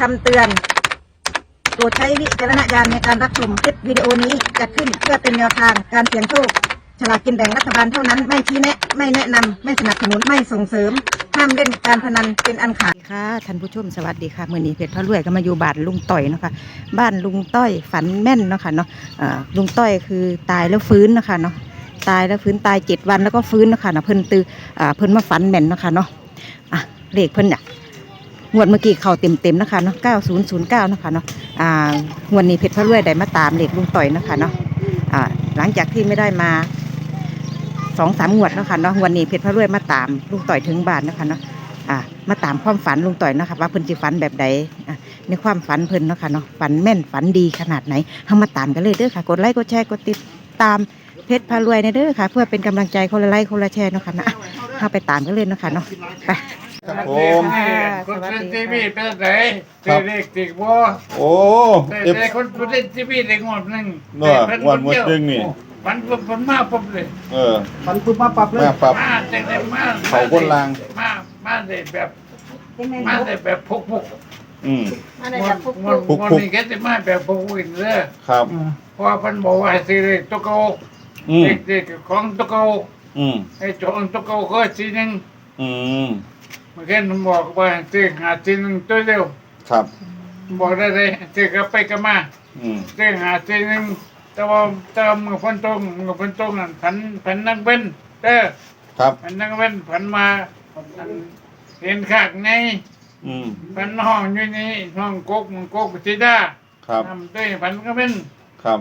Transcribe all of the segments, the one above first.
ำเตือนโปรดใช้วิจารณญาณในการรับชมคลิปวิดีโอนี้จัดขึ้นเพื่อเป็นแนวทางการเสี่ยงโชคฉลากกินแบ่งรัฐบาลเท่านั้นไม่ชี้แนะไม่แนะนำไม่สนับสนุนไม่ส่งเสริมห้ามเล่นการพนันเป็นอันขาดค่ะท่านผู้ชมสวัสดีค่ะมื้อนี้เพชรพระรวยก็มาอยู่บ้านลุงต้อยเนาะค่ะบ้านลุงต้อยฝันแม่นเนาะค่ะเนาะลุงต้อยคือตายแล้วฟื้นเนาะค่ะเนาะตายแล้วฟื้นตาย7 วันแล้วก็ฟื้นเนาะค่ะเนาะเพิ่นมาฝันแม่นเนาะค่ะเนาะเลขเพิ่นเนี่ยงวดเมื่อกี้เข้าเต็มๆนะคะเนาะ9009นะคะเนาะงวดนี้เพชรพระรวยได้มาตามเลขลุงต้อยนะคะเนาะหลังจากที่ไม่ได้มา2-3 งวดนะคะเนาะงวดนี้เพชรพระรวยมาตามลุงต้อยถึงบ้านนะคะเนาะมาตามความฝันลุงต้อยนะคะว่าเพิ่นสิฝันแบบใดในความฝันเพิ่นเนาะค่ะเนาะฝันแม่นฝันดีขนาดไหนเฮามาตามกันเลยเด้อค่ะกดไลค์กดแชร์กดติดตามเพชรพารวยในเด้อค่ะเพื่อเป็นกำลังใจคนละไลค์คนละแชร์เนาะค่ะนะเข้าไปตามกันเลยเนาะค่ะเนาะไปครับผมคนเล่นทีวีเป็นไหนเด็กติดบัวโอ้เอฟแต่คนเล่นทีวีได้งวดหนึ่งเนาะงวดหนึ่งนี่มันมาปุ๊บเลยฝันปุ๊บมาปรับเลยมาปรับมาแต่ได้มาเขาคนลางมาได้แบบมาได้แบบพุกมาในแบบพวกงวดนี้แกจะมาแบบพุกอินเลยครับเพราะพันบอกว่าสิเด็กตะโกเด็กของตะโกไอ้จงตะโกก็สีนึงเมื่อกี้ผมบอกว่าสิหาสีนึงตัวเดียวครับบอกได้เลยสิกลับไปกลับมาสิหาสีนึงแต่ว่ามือพันตรงนั่นพันนักเว้นครับพันนักเว้นพันมาเห็นขากในพันห้องอยู่นี่ห้องกกจิดาครับทำด้วยพันก็เป็นครับ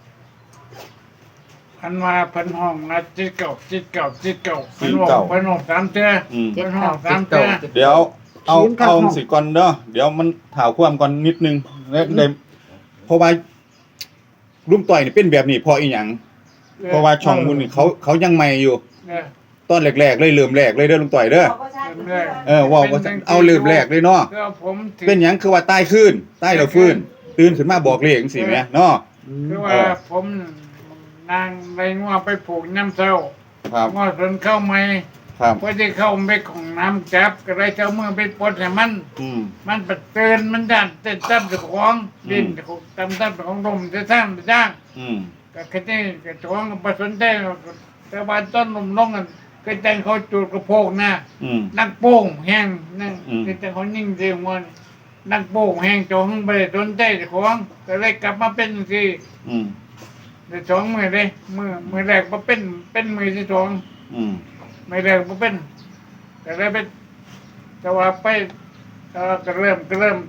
พันมาพันห้องนะจิตเก่าพันห้อง3 เทื่อพันห้อง3 เทื่อเดี๋ยวเอาสิก่อนเด้อเดี๋ยวมันถาวความก่อนนิดนึงแล้วได้เพราะว่าลุงต่อยนี่เป็นแบบนี้เพราะอีหยังเพราะว่าช่องมูลนี่เขายังใหม่อยู่ตอนแรกๆเลยเริ่มแรกเลยเด้อลุงต่อยเด้อว่าเอาเริ่มแรกเลยเนาะเป็นหยังคือว่าใต้ขึ้นใต้เราฟื้นตื่นขึ้นมาบอกเลขจังซี่แหมเนาะคือว่าผมนางไปงัวไปผูกน้ำเจ้าครับงัวสนเข้าไม่ครับพอที่เข้าไปของน้ำจับก็เลยเจ้ามือไปปลดให้มันปัดเตือนมันดันเต้นตั้มของดินตั้มของลมจะสร้างก็แค่นี้ก็ของก็สนใจแต่ว่าต้นลมลงกันก็จังเขาจูดกระโปงนะนักโป่งแห้งนั่นก็จังเขานิ่งเสียงวันนักโป่งแห้งจงไปสนใจของก็เลยกลับมาเป็นสิใน2 มือเลยมือแรกมาเป็นมือที่2มือแรกมาเป็นแต่เลยเป็นแต่ว่าไปก็เริ่มแต่เริ่ม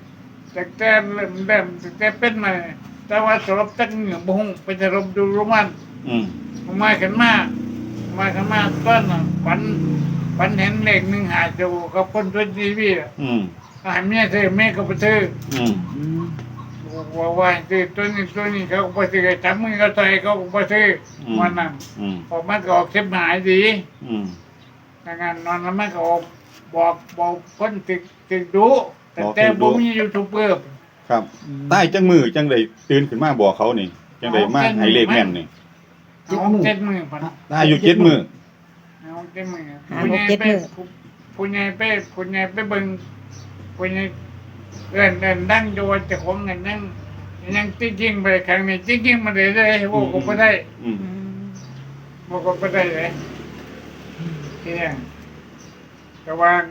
แต่เป็นมาแต่ว่าสรบจักเหงื่อบุ้งไปสรบดูโรมันมาขึ้นมาต้นฝันเห็นเลข1 หาดูกับคนตัวทีวีเมียเธอแม่ก็ไปซื้อว่าซื้อตัวนี้เขาก็ไปซื้อจับมือเขาใส่เขาก็ไปซื้อวันนั้นออกมาก็ออกเข็มหายดีงานนอนแล้วมันก็บอกคนติดดูแต่บ่มียูทูบเบอร์ครับใต้จังมือจังได้ตื่นขึ้นมาบอกเขานี่จังได้มาให้เลขแม่นนี่ 7 มือพันได้อยู่7 มือเอา7 มือผู้ใหญ่ไปเบิ่งผู้ใหญ่เอิ้นดังโยนเจ้าของเงินนั่งยังจริงๆไปครั้งนี้จริงๆมาได้บ่ก็บ่ได้บ่ก็บ่ได้เลยที่นี่ระวัง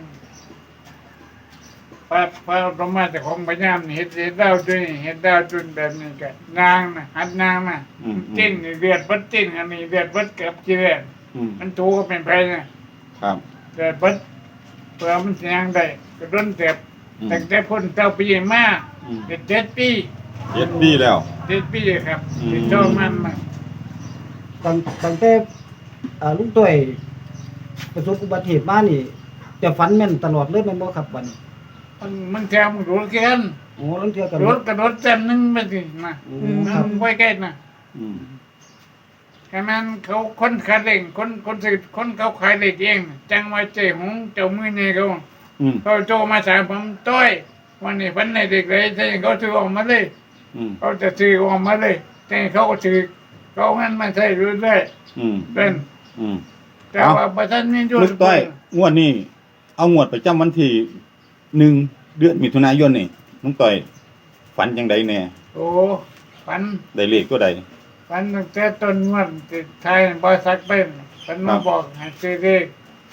พระธรรมะเจ้าของพญามนี่เฮ็ดดาวด้วยเฮ็ดดาวจุนแบบนี้ก็นางน่ะหัดนางน่ะจิ้นเดือดบัดจิ้นอันนี้เดือดบัดกับจีแรนมันถูก็เป็นไผนะครับเดือดบัดเพื่อมันสิยังได้ก็ดนเจ็บตั้งแต่พ้นเจ้าปีมาเป็น7 ปี 7 ปีแล้ว 7 ปีครับที่โตมันมาตั้งแต่ลุงต้อยประสบอุบัติเหตุมานี่จะฝันแม่นตลอดเลยแม่นบ่ครับบัดนี้มันแถมรู้กันโอ้ลังเทื่อกันรถกระโดดจำนึงไปสินะมันไว้ใกล้นะแค่นั้นเขาคนขายเองคนซื้อคนเขาขายเองเองจังว่าเจ้หงเจ้ามือเนี่ยเขาโจมาสายผมต้อยวันนี้วันไหนเด็กเลยใช่เขาซื้อออกมาเลยเขาจะซื้อออกมาเลยแต่เขาก็ซื้อเขางั้นมาใช้รู้ได้เป็นแต่ว่าประชาชนลูกต้อยงวดนี้เอางวดประจำวันที่1 เดือนมิถุนายนนี่ลุงต่อยฝันจังไดแน่โอ้ฝันได้เลขตัวใดฝันตั้งแต่ต้นวันติดไทยบริษัทเป็นฝันมาบอกให้ซื้อเลข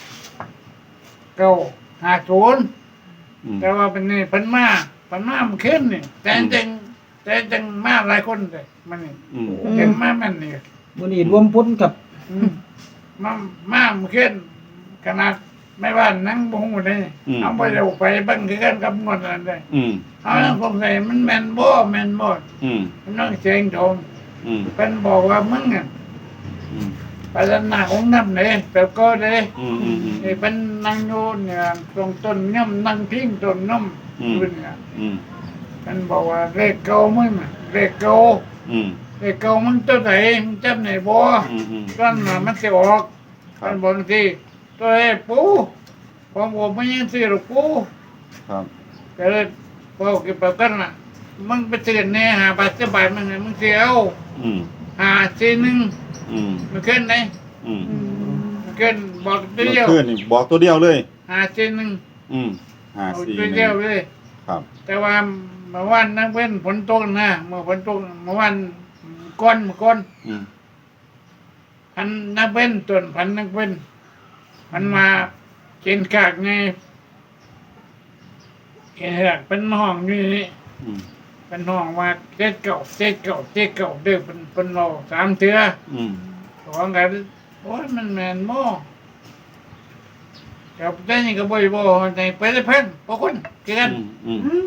950 อืมแต่ว่าเป็นนี่เพิ่นมามันขึ้นนี่แต่จังมาหลายคนเลยมันนี่อืมเห็นมามันนี่มื้อนี้รวมพลกับอืมมามันขึ้นขนาดไม่ว่านั่งบ่ฮู้เลยเอาไปเร็วไปเบิ่งคือกันกับงวดนั้นได้อืมเอาแล้วผมใส่มันแม่นบ่อืมมันต้องเสียงโทงอืมเพิ่นบอกว่ามึงอ่ะอืมไปด้านหน้าองค์น้ำเลยแบบก็เลยอืมอืมอืมไอ้เป็นนั่งอยู่เนี่ยตรงต้นย่อมนั่งพิงต้นน้อมอืมขึ้นเนี่ยอืมมันบอกว่าเลขเก่ามึงน่ะเลขเก่าอืมเลขเก่ามึงตัวไหนมึงจำไหนบ่อืมอืมก้อนน่ะมันสิออกมันบอกทีตัวไอ้ปูผมบอกไม่ยังซื้อหรอกปูครับก็เลยบอกกับปกันน่ะมึงไปซื้อเนี่ยหาบาทสิบบาทมึงน่ะมึงสิเอาอืมหาซีหนึ่งอืมมันขึ้นไหนอืมมันขึ้นบอกตัวเมื่อเดียวคืนนี่บอกตัวเดียวเลยหาซีหนึ่งอืมเอา 54 ตัวเดียวเลยครับแต่ว่าเมื่อวานนักเว้นฝนตกนะเมื่อฝนตกเมื่อวานก้อนอืมพันนักเว้นต้นพันนักเว้นมันมาเกินกากไงเห็นหลักเป็นห้องอยู่นี่อืมเป็นห้องว่าเจ็ดเก่าเด้อเป็นโล3 เทื่ออืมของกันโอ้ยมันแม่นบ่กับแต่นี่ก็บ่อยบ่ในไปได้เพิ่นบ่คนคือกันอืม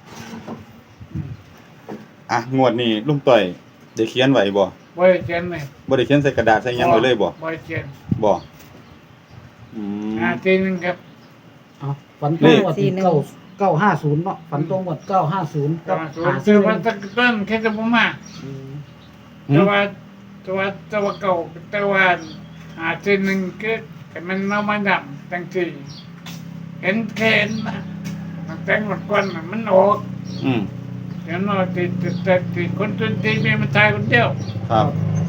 อ่ะงวดนี้ลุงต่อยได้เขียนไว้บ่บ่ได้เขียนเลยบ่ได้เขียนใส่กระดาษใส่หยังไว้เลยบ่บ่ได้เขียนบ่อืมทีนึงครับเอาฝันตรงวัดที่950เนาะฝันตรงวัด950กับแต่ว่าตะต้นแค่จะบ่มาอืมแต่ว่าเก่าแต่ว่าหาทีนึงคือแต่มันมาดำจังซี่เห็นแค่นะมันแต่งหมดก่อนน่ะมันออกอืมเดี๋ยวน้อยติดคนจนทีมีมันตายคนเดียวครับ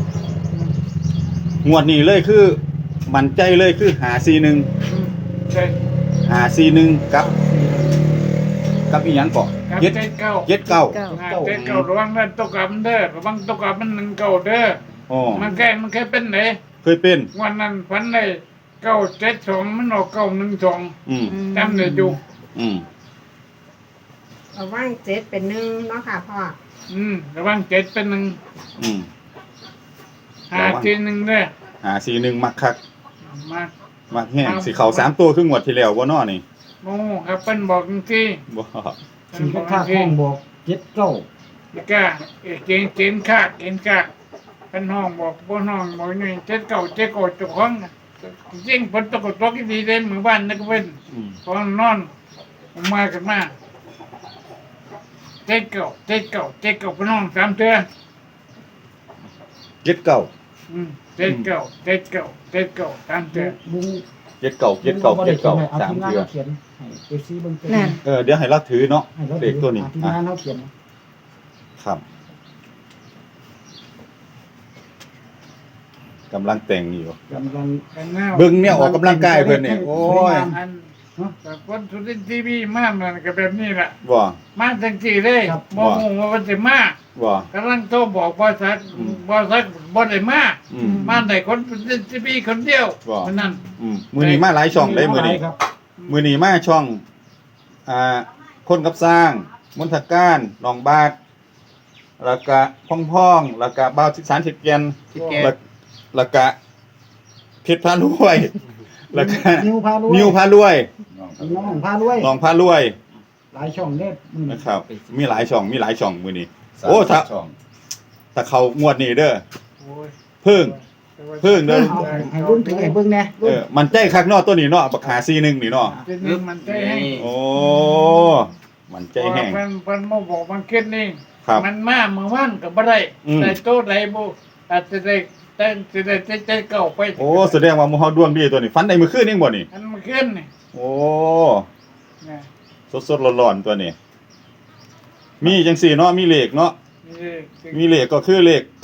งวดนี้เลยคือ มั่นใจเลยคือ541 ใช่ 541กับอีหยังเกาะครับเจ็ดเก้าเจ็ดเก้าเจ็ดเก้าระวังเด้อตกกับมันเด้อระวังตกกับมัน1 เก้าเด้ออ๋อมันแค่เป็นไหนเคยเป็นวันนั้นฝันได้972มันออก912 อืมจำได้อยู่อืมระว่าง7เป็น1เนาะค่ะพ่อระวัง7เป็นอืม 1 5ที1เด้อ 541มักคักมามักแห้งสิเข้า3ตัวคืองวดที่แล้วบ่น้อนี่โอ้ครับเพิ่นบอกจังซี่บ่เพิ่สินงบอกค่าจังห้ซี่องบอก79 นี่ก็เกณฑ์ค่าเป็นห้องบอกบ่ห้องบอกนี่7 9 7 9เจ้าของจริงฝนตกดีเด้มื้อบ้านนักเว้นอืมตอนนอนผมมากันมาเจ็ดเก่าพี่น้อง3 เทื่อเจ็ดเก้าเจ็ดเก่า3 เทื่อลุงเจ็ดเก้าเจ็ดเก้าบ่เจ็ได้ดเขียนเก้าให้เอาสามทีมงานเทื่อเราเขียนให้ FC เบิ่งเป็นนั่นเดี๋ยวให้เราถือเนาะให้เราเลขตัวนี้ทีมอ่ะงานเราเขียนครับกำลังแต่งอยู่กำลังกันแนวเบิ่งเนี่ยออกกำลังกายเพิ่นเนี่ยโอ้ยอันแต่คนสุรินทร์ทีวีมามันก็แบบนี้แหละบ่มาจังสี่เลยบ่ฮู้ว่ามันสิมาบ่กำลังโทรบอกบริษัทบ่ได้มาอืมมาได้คนสุรินทร์ทีวีคนเดียวว่าเท่านั้นมื้อนี้มาหลายช่องได้มื้อนี้ครับมื้อนี้มาช่องคนกับสร้างมนทการหนองบาดแล้วก็พ่องๆแล้วก็บ่าวสารสิแกนแล้วก็เพชรพารวยแล้วก็นิวพารวยนิวพารวยน้องพารวยน้องพารวยหลายช่องเด้มื้อนี้นะครับ มีหลายช่องมื้อนี้ โอ้ถ้าเขางวดนี้เด้อโอ้ยเพิ่งเด้อเอาให้ลุงถือให้เบิ่งแหน่ลุงมันใจคักเนาะตัวนี้เนาะบักหาซีหนึงนี่เนาะทีนี้มันใจให้โอ้มันใจแห้งเพิ่นมาบอกมันคิดนี่ครับมันมาเมื่อวานก็บ่ได้อืมได้โตได้บ่อาจจะได้แต่เก่าไปโอ้แสดงว่าหมู่เฮาดวงดีตัวนี้ฝันได้มื้อคืนเองบ่นี่อันมันขึ้นนี่โอ้นะสดๆร้อนๆตัวนี้ มีจังซี่เนาะมีเลขเนาะนี่มีเลขก็คือเลข9 50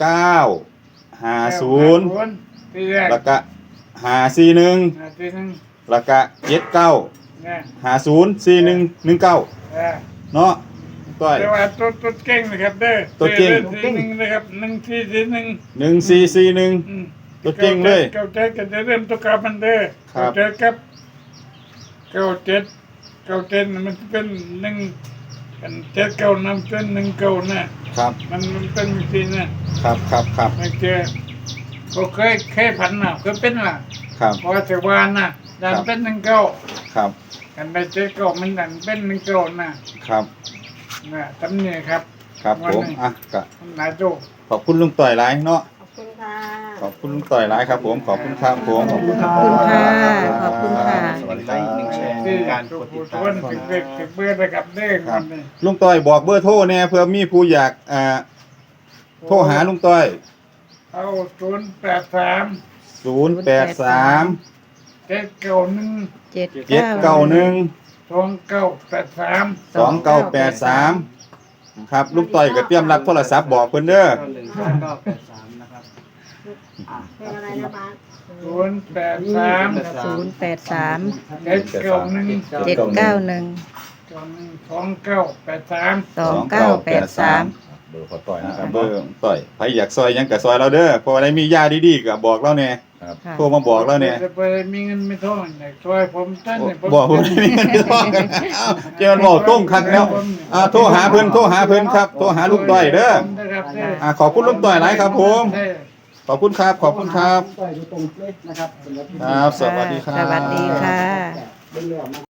ที่แรกแล้วก็541 ทีนึงแล้วก็79 นะ 50 41 19เนาะต้อยแต่ว่าตัวเก่งนะครับเด้อตัวเก่งสีหนึ่งนะครับ1441 1441ตัวเก่งเลยเก้าเจ็ดก็จะเริ่มตัวกลับมันเด้อครับเก้าเจ็ดครับเก้าเจ็ดมันเป็น1เป็น7 9นำเป็น19นะครับ มันเป็นสีนะครับครับไม่เจอก็เคยผันน่ะเคยเป็นล่ะครับพอจะวานน่ะดันเป็น19 ครับกันไป7 9มันดันเป็น19นะครับ น่ะตำเนี่ยครับครับผมอ่ะก็นายโจขอบคุณลุงต่อยหลายเนาะขอบคุณค่ะขอบคุณลุงต่อยหลายครับผมขอบคุณครับผมขอบคุณครับขอบคุณค่ะขอบคุณค่ะสวัสดีครับที่การทุกกดติผู้ดตาชมนถึงเด็กถึงเบื่อนะครับเด้อคนนี้ลุงต่อยบอกเบอร์โทรแน่เพื่อมีผู้อยากโทรหาลุงต่อยเอา083 083 791 791 2983 2983ครับลุงต่อยก็เตรียมรับโทรศัพท์บอกเพิ่นเด้อ 912983นะครับอ่ะเบอร์อะไรนะบ้าน 083 083 791 791 2983 2983 เบอร์ขอต่อยนะครับเบอร์ต่อยใครอยากซอยหยังก็ซอยเราเด้อเพราะว่าได้มียาดีๆก็บอกเราแน่ครับค่ะโทรมาบอกเราแน่จะไปมีเงินไม่ท่องเนี่ยช่วยผมเต้นเนี่ยบอกผมมีเงินทองเอ้าเจ้าบอกต้งคักแล้วโทรหาเพิ่นครับโทรหาลุงต่อยเด้อขอบคุณลุงต่อยหลายครับผม ขอบคุณครับขอบคุณครับต่อยอยู่ตรงเลยนะครับสำหรับที่ครับสวัสดีครับสวัสดีค่ะเป็นเรื่อง